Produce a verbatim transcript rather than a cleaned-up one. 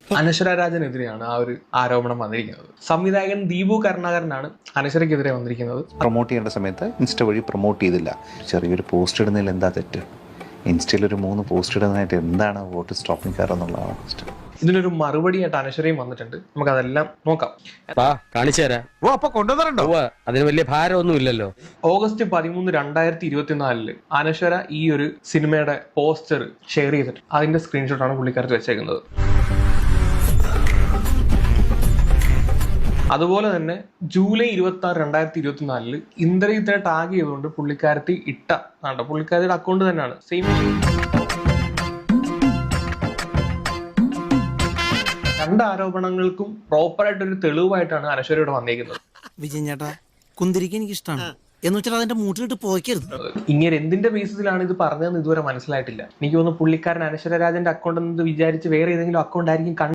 അനശ്വര രാജനെതിരെയാണ് ആ ഒരു ആരോപണം വന്നിരിക്കുന്നത്. സംവിധായകൻ ദീപു കരുണാകരനാണ് അനശ്വരയ്ക്കെതിരെ വന്നിരിക്കുന്നത്. പ്രൊമോട്ട് ചെയ്യേണ്ട സമയത്ത് ഇൻസ്റ്റ വഴി പ്രൊമോട്ട് ചെയ്തില്ല. ചെറിയൊരു പോസ്റ്റ് ഇടുന്നതിൽ എന്താ തെറ്റ്? ഇൻസ്റ്റയിൽ ഒരു മൂന്ന് പോസ്റ്റ് ഇടുന്നതായിട്ട് എന്താണ് വോട്ട് സ്റ്റോപ്പിംഗ് കാർ എന്നുള്ളതാണ് ക്വസ്റ്റ്യൻ. ഇതിനൊരു മറുപടിയായിട്ട് അനശ്വരയും വന്നിട്ടുണ്ട്. നമുക്ക് അതെല്ലാം നോക്കാം. കാണിച്ചു തരാം. ഓ അപ്പൊ കൊണ്ടുവന്നിട്ടുണ്ടോ? അതിന് വലിയ ഭാരമൊന്നും ഇല്ലല്ലോ. ഓഗസ്റ്റ് പതിമൂന്ന് രണ്ടായിരത്തി ഇരുപത്തിനാലില് അനശ്വര ഈ ഒരു സിനിമയുടെ പോസ്റ്റർ ഷെയർ ചെയ്തിട്ട് അതിന്റെ സ്ക്രീൻഷോട്ടാണ് പുള്ളിക്കാരത്ത് വെച്ചേക്കുന്നത്. അതുപോലെ തന്നെ ജൂലൈ ഇരുപത്തി ആറ് രണ്ടായിരത്തി ഇരുപത്തിനാലില് ഇന്ദ്രജിത്തിനെ ടാഗ് ചെയ്തുകൊണ്ട് പുള്ളിക്കാരത്തി ഇട്ട ആണ്ടോ പുള്ളിക്കാരിയുടെ അക്കൗണ്ട് തന്നെയാണ് സെയിം. രണ്ട് ആരോപണങ്ങൾക്കും പ്രോപ്പറായിട്ടൊരു തെളിവായിട്ടാണ് അനശ്വരയോട് വന്നേക്കുന്നത്. വിജയൻ ചേട്ടാ, കുന്തിരിക്കാൻ എനിക്ക് ഇഷ്ടമാണ് എന്ന് വെച്ചാൽ അതിന്റെ മൂട്ടിലിട്ട് പോയിക്കരുത്. ഇങ്ങനെ എന്തിന്റെ ബേസിസിലാണ് ഇത് പറഞ്ഞതെന്ന് ഇതുവരെ മനസ്സിലായിട്ടില്ല. എനിക്ക് തോന്നുന്നു പുള്ളിക്കാരൻ അനശ്വര രാജന്റെ അക്കൗണ്ട് എന്ന് വിചാരിച്ച് വേറെ ഏതെങ്കിലും അക്കൗണ്ട് ആയിരിക്കും